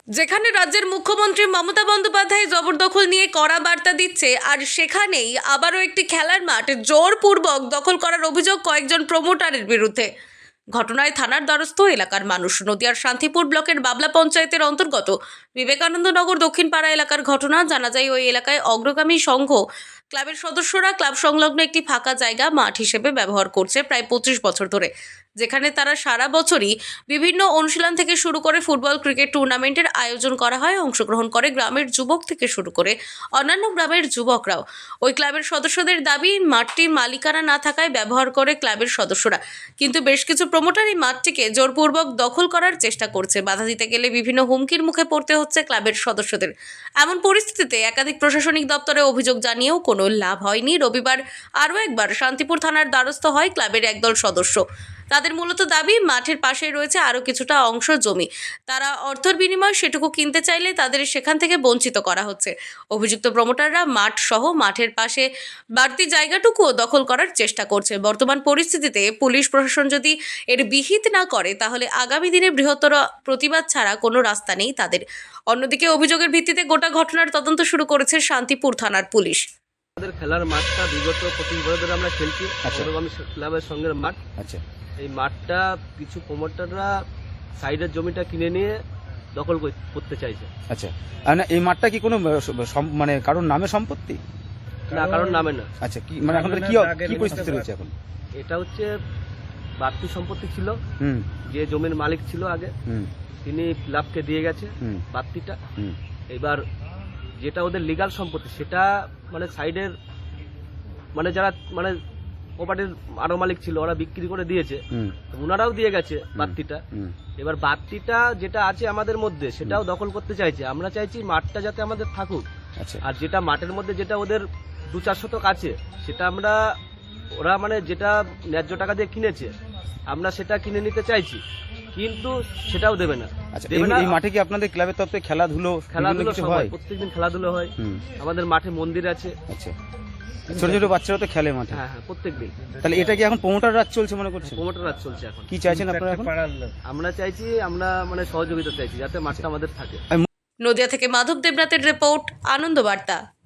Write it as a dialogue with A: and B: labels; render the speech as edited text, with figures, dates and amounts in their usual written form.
A: যেখানে রাজ্যের মুখ্যমন্ত্রী মমতা বন্দ্যোপাধ্যায় জবরদখল নিয়ে কড়া বার্তা দিচ্ছে, আর সেখানেই আবারও একটি খেলার মাঠ জোরপূর্বক দখল করার অভিযোগ কয়েকজন প্রমোটারের বিরুদ্ধে। ঘটনায় থানার দ্বারস্থ এলাকার মানুষ। নদিয়ার শান্তিপুর ব্লকের বাবলা পঞ্চায়েতের অন্তর্গত বিবেকানন্দ নগর দক্ষিণ পাড়া এলাকার ঘটনা। জানা যায় ওই এলাকায় অগ্রগামী সংঘ ক্লাবের সদস্যরা ক্লাব সংলগ্ন একটি ফাঁকা জায়গা মাঠ হিসেবে ব্যবহার করছে প্রায় 25 বছর ধরে, যেখানে তারা সারা বছরই বিভিন্ন অনুশীলন থেকে শুরু করে ফুটবল ক্রিকেট টুর্নামেন্টের আয়োজন করা হয়। অংশগ্রহণ করে গ্রামের যুবক থেকে শুরু করে অন্যান্য গ্রামের যুবকরাও। ওই ক্লাবের সদস্যদের দাবি, মাঠটি মালিকানা না থাকায় ব্যবহার করে ক্লাবের সদস্যরা, কিন্তু বেশ কিছু প্রমোটার এই মাঠটিকে জোরপূর্বক দখল করার চেষ্টা করছে। বাধা দিতে গেলে বিভিন্ন হুমকির মুখে পড়তে হচ্ছে ক্লাবের সদস্যদের। এমন পরিস্থিতিতে একাধিক প্রশাসনিক দপ্তরে অভিযোগ জানিয়েও কোনো লাভ হয়নি। রবিবার আরও একবার শান্তিপুর থানার দ্বারস্থ হয় ক্লাবের একদল সদস্য। তাদের মূলত দাবি, মাঠের পাশে রয়েছে আরও কিছুটা অংশ জমি, তারা অর্থের বিনিময়ে সেটুকু কিনতে চাইলে তাদের সেখান থেকে বঞ্চিত করা হচ্ছে। অভিযুক্ত প্রমোটাররা মাঠ সহ মাঠের পাশে বাড়তি জায়গাটুকুও দখল করার চেষ্টা করছে। বর্তমান পরিস্থিতিতে পুলিশ প্রশাসন যদি এর বিহিত না করে, তাহলে আগামী দিনে বৃহত্তর প্রতিবাদ ছাড়া কোনো রাস্তা নেই তাদের। অন্যদিকে অভিযোগের ভিত্তিতে গোটা ঘটনার তদন্ত শুরু করেছে শান্তিপুর থানার পুলিশ।
B: আমাদের খেলার মাঠটা বিগত 25 বছর ধরে আমরা খেলছি। আমি ক্লাবের সঙ্গে মাঠ।
C: আচ্ছা,
B: এই মাঠটা কিছু প্রমোটাররা সাইডের জমিটা কিনে নিয়ে দখল করতে চাইছে।
C: আচ্ছা, আর না এই মাঠটা কি কোনো মানে কারোর নামে সম্পত্তি?
B: না, কারণ নামে না।
C: আচ্ছা, কি মানে এখন কি পরিস্থিতি রয়েছে এখন?
B: এটা হচ্ছে বাড়তি সম্পত্তি ছিল।
C: হুম,
B: যে জমির মালিক ছিল আগে,
C: হুম,
B: তিনি ক্লাবকে দিয়ে গেছে
C: হুম,
B: বাড়তিটা।
C: হুম,
B: এবার যেটা ওদের লিগাল সম্পত্তি, সেটা মানে সাইডের মানে যারা মানে প্রপার্টির আরো মালিক ছিল, ওরা বিক্রি করে দিয়েছে।
C: হুম,
B: ওনারাও দিয়ে গেছে বাড়তিটা।
C: হুম,
B: এবার বাড়তিটা যেটা আছে আমাদের মধ্যে, সেটাও দখল করতে চাইছে। আমরা চাইছি মাঠটা যাতে আমাদের থাকুক।
C: আচ্ছা,
B: আর যেটা মাঠের মধ্যে যেটা ওদের 2-4 শতক আছে, সেটা আমরা ওরা মানে যেটা ন্যায্য টাকা দিয়ে কিনেছে, আমরা সেটা কিনে নিতে চাইছি, কিন্তু সেটাও দেবে না।
C: আচ্ছা,
B: দেবে না।
C: এই মাঠে কি আপনাদের ক্লাবের তরফে খেলাধুলো
B: সব হয়, প্রত্যেকদিন খেলাধুলো হয়।
C: হুম,
B: আমাদের মাঠে মন্দির আছে।
C: আচ্ছা, ছোট ছোট বাচ্চারা তো খেলে মাঠে।
B: হ্যাঁ হ্যাঁ, প্রত্যেকদিন।
C: তাহলে এটা কি এখন প্রমোটার রাজ চলছে মনে করছেন?
B: প্রমোটার রাজ চলছে এখন।
C: কি চাইছেন আপনারা এখন?
B: আমরা চাইছি, আমরা মানে সহযোগিতা চাইছি যাতে মাঠটা আমাদের থাকে।
A: নদিয়া থেকে মাধব দেবনাথের রিপোর্ট, আনন্দ বার্তা।